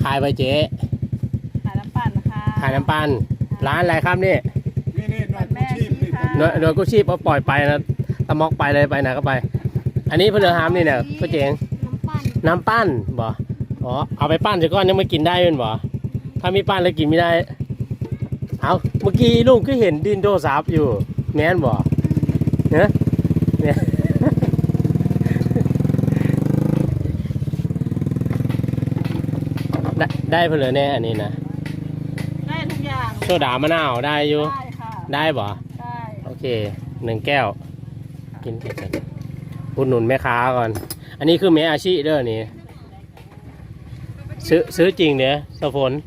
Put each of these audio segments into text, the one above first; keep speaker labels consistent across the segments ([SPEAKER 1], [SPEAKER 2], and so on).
[SPEAKER 1] ขายไปเจ๊
[SPEAKER 2] ขายน้ำปั่นค่ะ
[SPEAKER 1] ขายน้ำปั่นร้านอะไรครับนี่
[SPEAKER 3] นี่หน่วยกู้ชีพนี่
[SPEAKER 1] หน่วยกู้ชีพเอาปล่อยไปนะตะมอกไปเลยไปไหนก็ไป อันนี้เพื่อนหามนี่เนี่ยพ่อเจ๋งน้ำปั้นบ่อ๋อเอาไปปั้นเสร็จก่อนยังไม่กินได้เป็นบ่ถ้ามีปั้นแล้วกินไม่ได้เอาเมื่อกี้ลุงก็เห็นดินโดซับอยู่แม่นบ่เนี่ยเนี่ยได้เพื่อนแน่อันนี้นะ
[SPEAKER 2] ได้ทุกอย่าง
[SPEAKER 1] โซดามะนาวได้อยู่
[SPEAKER 2] ได้ค่ะ
[SPEAKER 1] ได้บ่
[SPEAKER 2] ได้
[SPEAKER 1] โอเค1 แก้วกินกันอุดหนุนแม่ค้าก่อนอันนี้คือแม่อาชีพเด้อนี่ซื้อจริงเนี่ยสะพน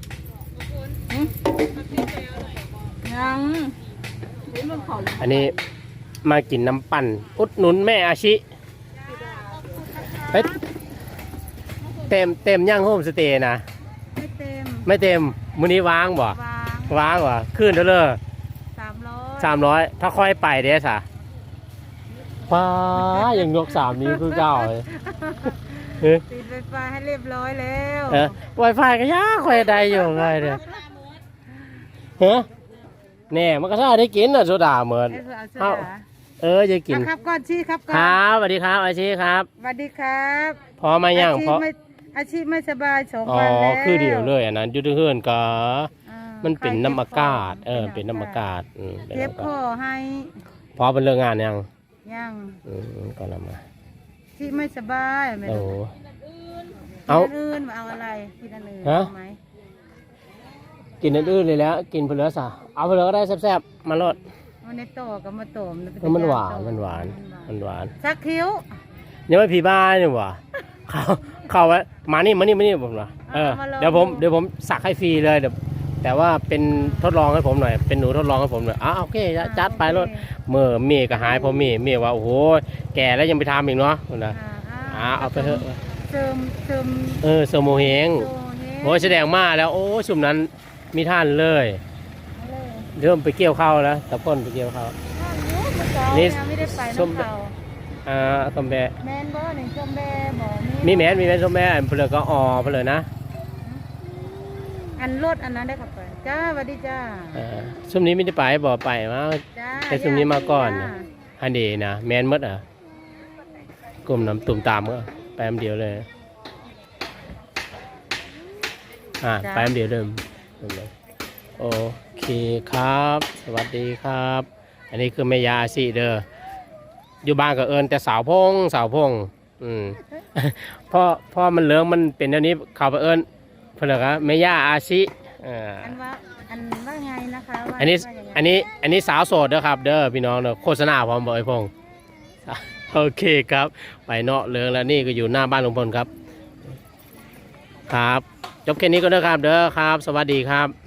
[SPEAKER 2] ยัง
[SPEAKER 1] อันนี้มากินน้ำปั่นอุดหนุนแม่อาชีเฮ้ยเต็มย่างโฮมสเตย์นะไม่เต็มมื้อนี้ว่างบ่ว่างบ่ขึ้นเด้อเลย300ถ้าค่อยไปเด้สะว้ายังยก3นิ้วคือเก่าเลย
[SPEAKER 2] ติดไวไฟให้เรียบร้อยแล้ว
[SPEAKER 1] ไวไฟก็ยากค่อยได้อยู่ไงเด้อเฮ้แน่มันก็ถ้าได้กินน่ะโซดาเหมือนจะกิน
[SPEAKER 2] ครับก่อนชี้ครับก่อน
[SPEAKER 1] ครับสวัสดีครับอาชีครับ
[SPEAKER 2] สวัสดีครับ
[SPEAKER 1] พอมายังเพราะ
[SPEAKER 2] อาชีพไม่สบาย2 วันแล้ว
[SPEAKER 1] คือเดียวเลยอันนั้นยุทธเฮือนก็มันเป็นน้ำอากาศเป็นน้ำอากาศ
[SPEAKER 2] เจ็บคอให้
[SPEAKER 1] พอเป็นเรื่องงานยังก็นำมา
[SPEAKER 2] ที่ไม่สบาย
[SPEAKER 1] โอ้
[SPEAKER 2] เอาอื่นมาเอาอะไรกินอันอื่นไหม
[SPEAKER 1] กินอันอื่นเลยแล้วกินเพื่อซะเอาเพื่อก็ได้แซ่บๆมาลด
[SPEAKER 2] มันในโตกับมาโต
[SPEAKER 1] มันหวาน
[SPEAKER 2] สักคิ้ว
[SPEAKER 1] ยังไม่ผีบ้าเนี่ยวะเข้าไว้มานี่ผมเหรอเดี๋ยวผมสักให้ฟรีเลยแต่ว่าเป็นทดลองให้ผมหน่อยเป็นหนูทดลองให้ผมหน่อยโอเคจัดไปรถเมื่อเมียก็หายพอเมียว่าโอ้โหแก่แล้วยังไปทำอีกเนาะนะเอาไปเถอะ
[SPEAKER 2] เส
[SPEAKER 1] มโมเฮงโอ้แสดงมาแล้วโอ้สุ่มนั้นมีท่านเลยเริ่มไปเกี่ยวข้าวแล้วตะพ่นไปเกี่ยวข้าว
[SPEAKER 2] นี่ไม่ได้ไปน้ำเขา
[SPEAKER 1] ส้มแบะ
[SPEAKER 2] แมนบ่หนึ่งส้มแบะบ่
[SPEAKER 1] มีแมนส้มแบะเปลือกก็เปลือกนะ
[SPEAKER 2] อันรถอันนั้นได้ขับไปจ้าสวัสดีจ้า
[SPEAKER 1] ส้มนี้ไม่ได้ไปบ่ไปมาแต่ส้มนี้มาก่อนอันดีนะแมนมดกลุ่มน้ำตุ่มตามก็ไปอันเดียวเลยไปอันเดียวเดิมโอเคครับสวัสดีครับอันนี้คือแม่ยาอาชีเด้ออยู่บ้านก็เอิญแต่สาวพงพ่อมันเหลืองมันเป็นเดี๋ยวนี้ข่าวไปเอิญเพื่อนก็แม่ยาอาชี
[SPEAKER 2] อันว่าไงนะคะ
[SPEAKER 1] อันนี้สาวโสดเด้อครับเด้อพี่น้องเด้อโฆษณาพร้อมบ่ไอ้พงโอเคครับไปเนาะเหลืองแล้วนี่ก็อยู่หน้าบ้านลุงพลครับจบแค่นี้ก็เด้อครับเด้อครับสวัสดีครับ